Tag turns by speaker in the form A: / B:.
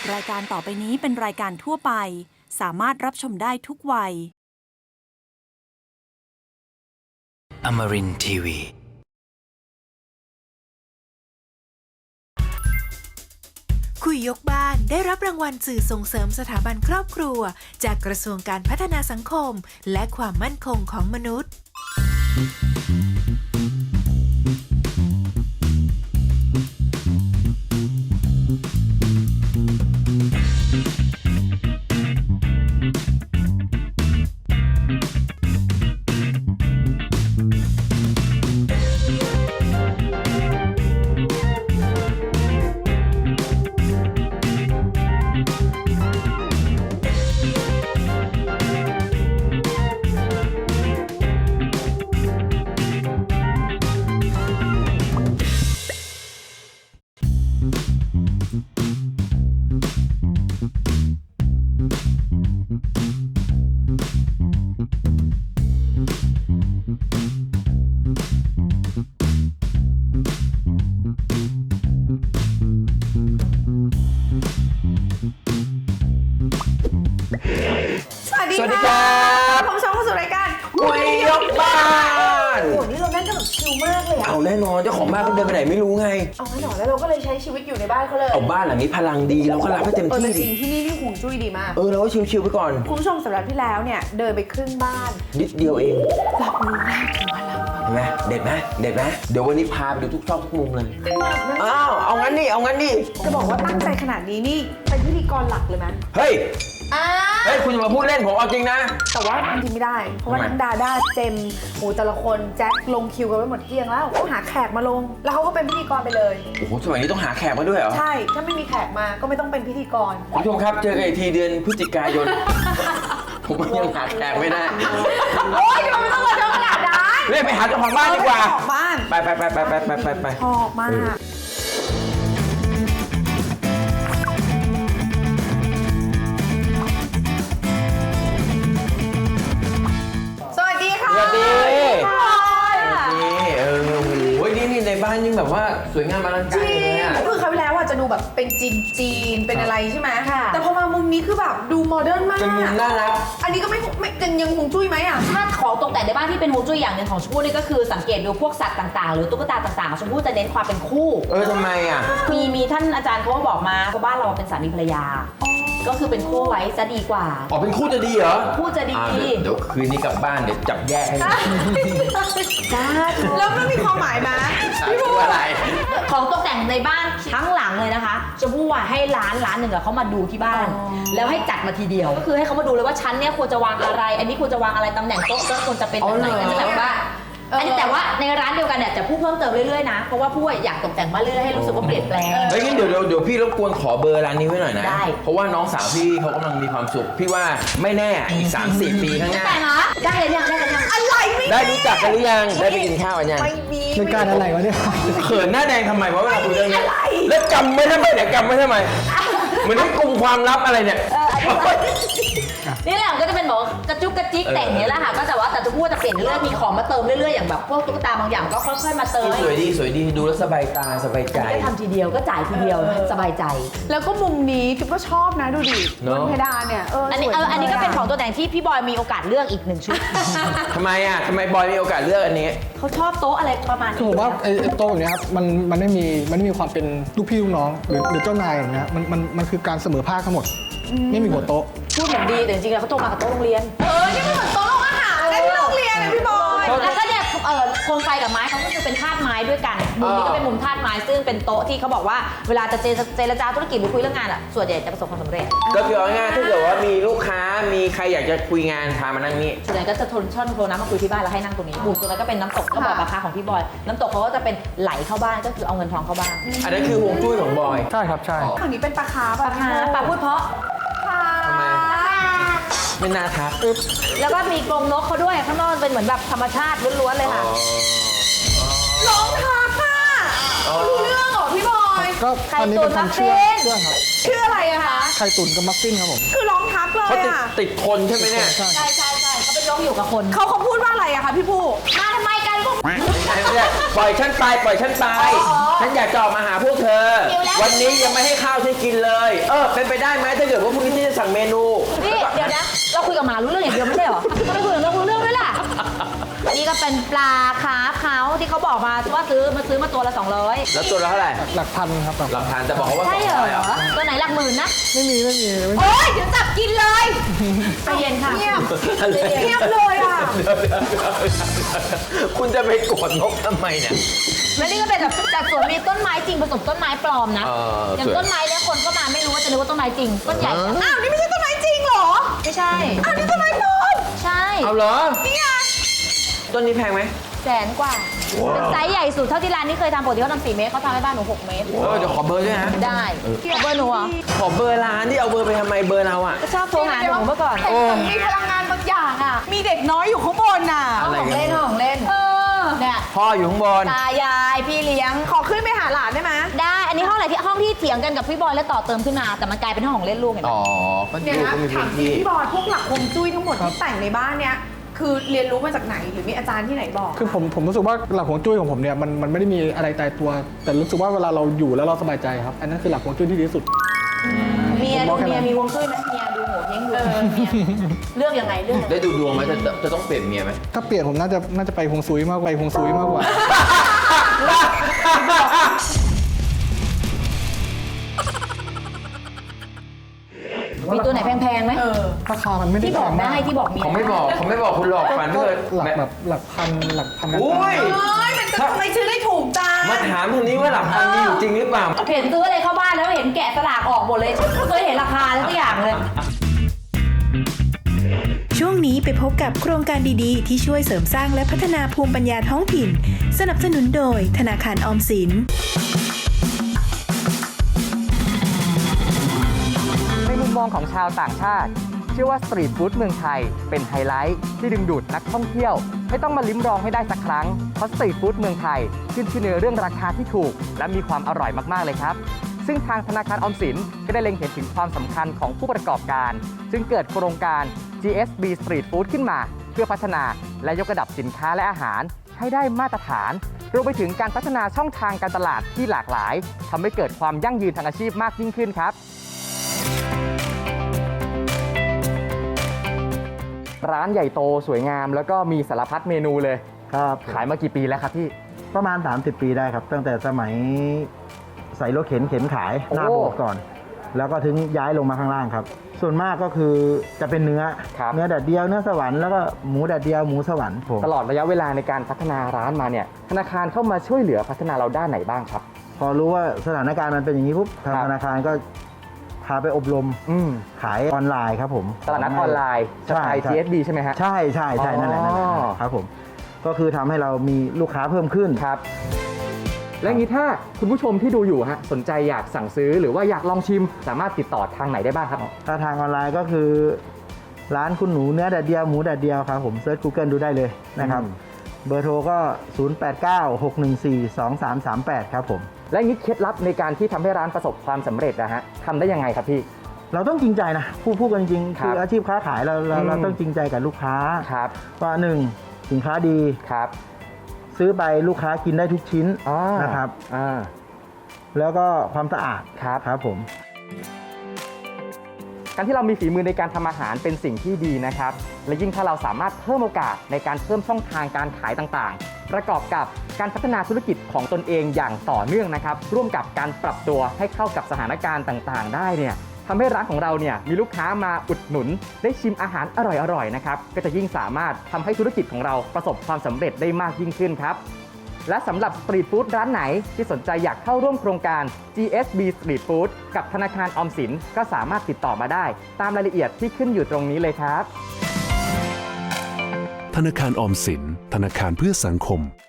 A: รายการต่อไปนี้เป็นรายการทั่วไปสามารถรับชมได้ทุกวัย
B: Amarin Tiwi
C: คุยยกบ้านได้รับรางวัลสื่อส่งเสริมสถาบันครอบครัวจากกระทรวงการพัฒนาสังคมและความมั่นคงของมนุษย์
D: สวัสดีครับผมชมเข้าสู่รายการคุยยกบ้านโอ้โหนี่เรานั่งกันแบบชิลมากเลยอะ
E: เอาแน่นอนเจ้าของบ้านเขาเดินไปไหนไม่รู้ไง
D: เอาไม่หน่อยแล้วเราก็เลยใช้ชีวิตอยู่ในบ้านเขาเลย
E: เอาบ้านหลังนี้พลังดีเราก็รับให้เต็มที่
D: แต่
E: ดิ
D: จริงที่นี่ห่วงจุ้ยดีมาก
E: เราก็ชิวๆไปก่อน
D: คุณผู้ชมสัปดาห์ที่แล้วเนี่ยเดินไปครึ่งบ้าน
E: นิดเดียวเอง
D: รับรู้ได้ถึงพลัง
E: เห็นไหมเด็ดไหมเด็ดไหมเดี๋ยววันนี้พาไปดูทุกซอกทุกมุมเลย
D: ขนาดนั้น
E: อ้าวเอางั้นดิเอางั้นดิ
D: จะบอกว่าตั้งใจขนาดนี้นี่เป็นพิธีกรหลักเลยไหม
E: เฮ้ย
D: อ่า
E: เฮ้ยคุณจะมาพูดเล่นผมเอาจริงนะ
D: แต่ว่าจริงไม่ได้เพราะว่า
E: ทำไม
D: ทั้งดาด้าเจมโอ้แต่ละคนแจ็คลงคิวกันไว้หมดเกลี้ยงแล้วเขาหาแขกมาลง แล้วเขาก็เป็นพิธีกรไปเลย
E: โอ้โหสมัยนี้ต้องหาแขกมาด้วยเหรอ
D: ใช่ถ้าไม่มีแขกมาก็ไม่ต้องเป็นพิธีกร
E: คุณผู้ชมครับเจอกันอีกทีเดือนพฤศจิกายน ผมยังหาแขกไม่ได้
D: โอ๊ยทำไมมันต้องมาเจอขนาดนั้น
E: เรียกไปหาเจ้าของบ้านดีกว่า
D: เจ้ของบ้าน
E: ไป
D: ชอบมาก สวัสดีค่ะ
E: สวัสดี
D: พี่บอย
E: นี่โอ้โหนี่ในบ้านยิ่งแบบว่าสวยงามอลัง
D: จ
E: การ
D: ริ
E: เลย
D: ง
E: อะ
D: คือคราวที่แล้วอะจะดูแบบเป็นจีนเป็นอะไรใช่ไหม
F: ค่ะ
D: แต่พอมามุมนี้คือแบบดูโมเดิร์นมาก
E: เป็นมุมน่ารัก
D: อันนี้ก็ไม่ยังคงจุ้ยไหมอะ
F: ถ้าของตกแต่งในบ้านที่เป็นฮวงจุ้ยอย่างหนึ่งของชมพู่นี่ก็คือสังเกตดูพวกสัตว์ต่างๆ หรือตุ๊กตาต่างๆชมพู่จะเน้นความเป็นคู่
E: ทำไมอ่ะ
F: มีท่านอาจารย์เขาก็บอกมาว่าบ้านเราเป็นสามีภรรยา ก็คือเป็นคู่ไว้จะดีกว่า
E: อ๋อเป็นคู่จะดีเหรอ
F: คู่จะดี
E: เดี๋ยวคืนนี้กลับบ้านเดี๋ยวจับแยกให้
F: จ้า
D: แล้วมันมีความหมายไหมพี่บัว
E: อะไร
F: ของตกแต่งในบ้านทั้งหลังเลยนะคะชมพู่ว่าให้ร้านหนึ่งอะเขามาดูที่บ้าน แล้วให้จัดมาทีเดียว ก็คือให้เขามาดูเลยว่าชั้นเนี้ยควรจะวางอะไร อันนี้ควรจะวางอะไรตำแหน่งโต๊ะก็ควรจะเป็นแบบไหนอันนี้แบบว่าอันนี้แต่ว่าในร้านเดียวกันเนี่ยจะพูดเพิ่มเติมเรื่อยๆนะเพราะว่าผู้อยากตกแต่งบ้านเรื่อยๆให้รู้สึกว่าเปลี่ยนแปลง
E: เฮ้ยงั้นเดี๋ยวพี่รบกวนขอเบอร์ร้านนี้ไว้หน่อยนะ
F: ได้
E: เพราะว่าน้องสาวพี่เขากำลังมีความสุข พี่ว่าไม่แน่อีก 3-4 ปีข้างหน้า
F: แต่งเหรอได้เลยยังได้กันยัง
D: อะไรไม่
E: ได้รู้จักกันหรือยัง ได้ไปกินข้าวกันยัง
D: ไม่มี
G: เป็นการอะไรวะเนี่ย
E: เขินหน้าแดงทำไมวะเวลาคุยเรื่องนี้แล้วจำไม่ทำไมเนี่ยจำไม่ทำไมเหมือนที่กลุ่มความลับอะไรเนี่ย
F: นี่แหละก็จะเป็นแบบกระจุกกระจิกแต่งอย่างนี้แหละค่ะก็แต่ว่าแต่จะพูดจะเปลี่ยนเรื่อยๆมีของมาเติมเรื่อยๆอย่างแบบพวกตุ๊กตาบางอย่างก็ค่อยๆมาเติม
E: สวยดีดูแล้วสบายตาสบายใจ
F: ก็ทำทีเดียวก็จ่ายทีเดียวสบายใจ
D: แล้วก็มุมนี้จิ๊บก็ชอบนะดูดิ
E: เนอะ
D: บนเพดานเนี่ย
F: อันนี้
D: สวย
F: อันนี้ก็เป็นของ
D: จัลยะ
F: ตัวแต่งที่พี่บอยมีโอกาสเลือกอีกหนึ่งชุด
E: ทำไมบอยมีโอกาสเลือกอันนี้
F: เขาชอบโต๊ะอะไรประมาณ
G: คือผมว่าไอ้โต๊ะแบบเนี้ยครับมันไม่มีความเป็นลูกพี่ลูกน้องหรือเจ้านายอย่างเงี้ยมันคือการเสมอภาคทั้งหมดไม่มีหัวโต๊ะ
F: พูดเหมือนดีแต่จริงๆแล้วเขาโตมากับโต๊ะโรงเรียน
D: นี่มันเหมือนโต๊ะอาหารในที่โรงเรียนเลยพี่บอย
F: แล้วก็เนี่ยโคมไฟกับไม้เขาก็คือเป็นธาตุไม้ด้วยกันมุมนี้ก็เป็นมุมธาตุไม้ซึ่งเป็นโต๊ะที่เขาบอกว่าเวลาจะเจรจาธุรกิจหรือคุยเรื่องงานอ่ะส่วนใหญ่จะประสบความสำเร็จ
E: ก็คือเอาง่ายๆถ้าเกิดว่ามีลูกค้ามีใครอยากจะคุยงานพามานั่งนี่
F: ส่วนใหญ่ก็จะโทรน้ำมาคุยที่บ้านแล้วให้นั่งตรงนี้มุมตรงนั้นก็เป็นน้ำตกก็บอกราคาของพี่บอยน้ำตกเขาก็จะเป็นไหลเข้าบ้านก็คือเอาเงินทองเข้าบ้าน
E: อันนั้นคือฮวงจุ้ยของบอย
G: ใช่ครับใช่
D: ฝั่งนี้เป็นปลาคาร์ฟ
F: ปลาคาร์ฟปลาพูดเพราะ
E: ทำไม ไม่น่าทัก
F: แล้วก็มีกรงนกเขาด้วยข้างนอกเป็นเหมือนแบบธรรมชาติล้วนๆเลยค่ะ
D: น้องทักค่ะรู้เรื่องเหรอพี่บอย
G: ก็
F: ไข่
G: อันนี้
F: ตุ๋
G: เป็น น
F: มัฟ
G: ทำ
F: ฟิ
G: เชื่อน ครับ
D: ชื่ออะไรอะคะ
G: ไข่ตุ๋นกับมัฟฟินครับผม
D: คือร้องทักเลย
E: เขาติด
D: อะ
E: ติดคนใช่ไหมเนี่ย
G: ใช่
F: ใช่เขาเป็นนกอยู่กับคน
D: เขาพูดว่าอะไรอะคะพี่ผู้
F: มาทำไมกันพวก
E: ปล่อยฉันไปฉันอยากจะออกมาหาพวกเธอ วันนี้ยังไม่ให้ข้าวฉันกินเลย เอเป็นไปได้ไหมถ้าเกิดว่าพรุ่งนี้ที่จะสั่งเมนู
F: นี่เดี๋ยวนะเราคุยกับหมารู้เรื่องอย่างเดียวไม่ใช่เหรอทำไมคุยกับเรารู้เรื่องด้วยล่ะนี่ก็เป็นปลาคาร์ฟเขาที่เขาบอกมาว่าซื้อมาตัวละ200
E: แล้วตัวละเท่าไหร่
G: หลักพันครับ
E: หลักฐานจะบอกว่า
F: ใช่เหร
E: 200
F: อตัวไหนหลักหมื่นนะ
G: ไม่มี
F: โอ๊ยเดี๋ยวจับกินเลยใจเย็นค่ะเงียบ
D: เงียบเลยอ่ะ
E: คุณจะไปโกรธนกทำไมเนี่ย
F: แล้วนี่ก็เป็นแบบจากสวนมีต้นไม้จริงผสมต้นไม้ปลอมนะ อย่าง
E: สวย
F: ต้นไม้เนี่ยคนก็มาไม่รู้ว่าจะนึกว่าต้นไม้จริงต้นใหญ่
D: อ้าวนี่ไม่ใช่ต้นไม้จริงเหรอ
F: ไม่ใช่
D: อ้าวนี่ต้นไม้ปลอม
F: ใช่
E: เอาเหรอ
D: เนี่ย
E: ต้นนี้แพงไหม
F: 100,000 กว่าเป็นไซส์ใหญ่สุดเท่าที่ร้านนี้เคยทำปกติเขาทำ4 เมตรเขาทำให้บ้านหนู6 เมตร
E: เดี๋ยวขอเบอร์ด้วยนะ
F: ได้ขอเบอร์หนูเหรอ
E: ขอเบอร์ร้านที่เอาเบอร์ไปทำไมเบอร์เราอ่ะ
F: ก็ชอบโทรหาหนูเมื่อก่อน
D: แต่มีพลังงานบางอย่างอ่ะ มีเด็กน้อยอยู่ข้างบนน่ะ
E: อะไร
F: ของ
E: กัน
F: เล่นของเล่นเนี่ย
E: พ่ออยู่ข้างบน
F: ตายายพี่เลี้ยง
D: ขอขึ้นไปหาหลานได้ไหม
F: ได้ อันนี้ห้องอะไรที่ห้องที่เถียงกันกับพี่บอยแล้วต่อเติมขึ้นมา แต่มันกลายเป็นห้องของเล่นลูกเห็นไหม
E: อ๋อก็
D: เนี่ย
E: ดู
D: นะ
E: ก็มี
D: ถา
E: พื้
D: ม
E: น
D: จริง
E: ที่
D: พี่บอยพวกหลักฮวงจุ้ยทั้งหมดที่แต่งในบ้านเนี้ยคือเรียนรู้มาจากไหนหรือมีอาจารย์ที่ไหนบอก
G: คือผมรู้สึกว่าหลักฮวงจุ้ยของผมเนี่ยมันไม่ได้มีอะไรตายตัว แต่รู้สึกว่าเวลาเราอยู่แล้วเราสบายใจครับ อันนั้นคือหลักฮวงจุ้ยที่ดีที่สุด
F: เมีย
G: ผม
F: ดู
G: บอกแค่นั้น
F: เมียมีวงจุ้ยไหมเมียดูโหเฮงดูเมียเลือกยังไงเลือกยังไง
E: ได้ดูดวงไหมจะต้องเปลี่ยนเมียไหม
G: ถ้าเปลี่ยนผมน่าจะไปฮวงซุยมากกว่า
F: มีตัวไหนแพงๆไหม
G: ราคามันไม่ได้
F: ที่บอกได้ที่บอกเมีย
E: เขาไม่บอกคุณหลอกฝัน
G: ก็
E: เลย
G: หลักแบบหลักพันกัน
E: โอ้ย
D: เฮ้ยมันจะทำไมชื่อได้ถูกจัง
E: มาถามทางนี้ว่าหลักพันมีอยู่จริงหรือเปล่า
F: เห็นซื้ออะไรเข้าบ้านแล้วเห็นแกะสลากออกหมดเลยไม่เคยเห็นราคาสักอย่างเลย
C: ช่วงนี้ไปพบกับโครงการดีๆ ที่ช่วยเสริมสร้างและพัฒนาภูมิปัญญาท้องถิ่น สนับสนุนโดยธนาคารออมสิน
H: ในมุมมองของชาวต่างชาติ เชื่อว่าสตรีทฟู้ดเมืองไทยเป็นไฮไลท์ที่ดึงดูดนักท่องเที่ยวให้ต้องมาลิ้มลองให้ได้สักครั้ง เพราะสตรีทฟู้ดเมืองไทยขึ้นชื่อในเรื่องราคาที่ถูก และมีความอร่อยมากๆเลยครับ ซึ่งทางธนาคารออมสินก็ได้เล็งเห็นถึงความสำคัญของผู้ประกอบการจึงเกิดโครงการ GSB Street Food ขึ้นมาเพื่อพัฒนาและยกระดับสินค้าและอาหารให้ได้มาตรฐานรวมไปถึงการพัฒนาช่องทางการตลาดที่หลากหลายทำให้เกิดความยั่งยืนทางอาชีพมากยิ่งขึ้นครับ ร้านใหญ่โตสวยงามแล้วก็มีสารพัดเมนูเลย
I: ครับ
H: ขายมากี่ปีแล้วครับพี่
I: ประมาณ 30 ปีได้ครับ ตั้งแต่สมัยใส่รถเข็นขายหน้าโบสถ์ก่อน แล้วก็ถึงย้ายลงมาข้างล่างครับ ส่วนมากก็คือจะเป็นเนื้อ
H: ครับ
I: เนื้อแดดเดียวเนื้อสวรรค์แล้วก็หมูแดดเดียวหมูสวรรค์ผม
H: ตลอดระยะเวลาในการพัฒนาร้านมาเนี่ยธนาคารเข้ามาช่วยเหลือพัฒนาเราด้านไหนบ้างครับ
I: พอรู้ว่าสถานการณ์มันเป็นอย่างนี้ปุ๊บทาง
H: ครับ
I: ธนาคารก็พาไปอบรม ขายออนไลน์ครับผม
H: ตลาดนัดออนไลน์สไตล์ GSB ใช่ไหมฮะ
I: ใช่นั่นแหละครับผมก็คือทำให้เรามีลูกค้าเพิ่มขึ้น
H: ครับ และอย่างนี้ถ้าคุณผู้ชมที่ดูอยู่ฮะสนใจอยากสั่งซื้อหรือว่าอยากลองชิม สามารถติดต่อทางไหนได้บ้างครับ
I: ถ้าทางออนไลน์ก็คือร้านคุณหนูเนื้อแดดเดียวหมูแดดเดียวครับผมเซิร์ช Google ดูได้เลยนะครับ เบอร์โทรก็ 0896142338 ครับผม
H: และอย่างนี้เคล็ดลับในการที่ทำให้ร้านประสบความสำเร็จนะฮะทำได้ยังไงครับพี่
I: เราต้องจริงใจนะพูดกันจริงๆ
H: ครั
I: คื
H: บ
I: ออาชีพค้าขายเราต้องจริงใจกับลูกค้า
H: ครับ
I: ว่าหนึ่งสินค้าดี
H: ครับ
I: ซื้อไปลูกค้ากินได้ทุกชิ้น
H: อ่าน
I: นะครับ
H: อ่า
I: แล้วก็ความสะอาด
H: ครับ
I: ครับผม
H: การที่เรามีฝีมือในการทำอาหารเป็นสิ่งที่ดีนะครับ และยิ่งถ้าเราสามารถเพิ่มโอกาสในการเพิ่มช่องทางการขายต่างๆ ประกอบกับการพัฒนาธุรกิจของตนเองอย่างต่อเนื่องนะครับ ร่วมกับการปรับตัวให้เข้ากับสถานการณ์ต่างๆ ได้เนี่ยทำให้ร้านของเราเนี่ยมีลูกค้ามาอุดหนุน ได้ชิมอาหารอร่อยๆนะครับ ก็จะยิ่งสามารถทำให้ธุรกิจของเราประสบความสำเร็จได้มากยิ่งขึ้นครับ และสำหรับสตรีทฟู้ดร้านไหนที่สนใจอยากเข้าร่วมโครงการ GSB Street Food กับธนาคารออมสินก็สามารถติดต่อมาได้ ตามรายละเอียดที่ขึ้นอยู่ตรงนี้เลยครับ
J: ธนาคารออมสินธนาคารเพื่อสังคม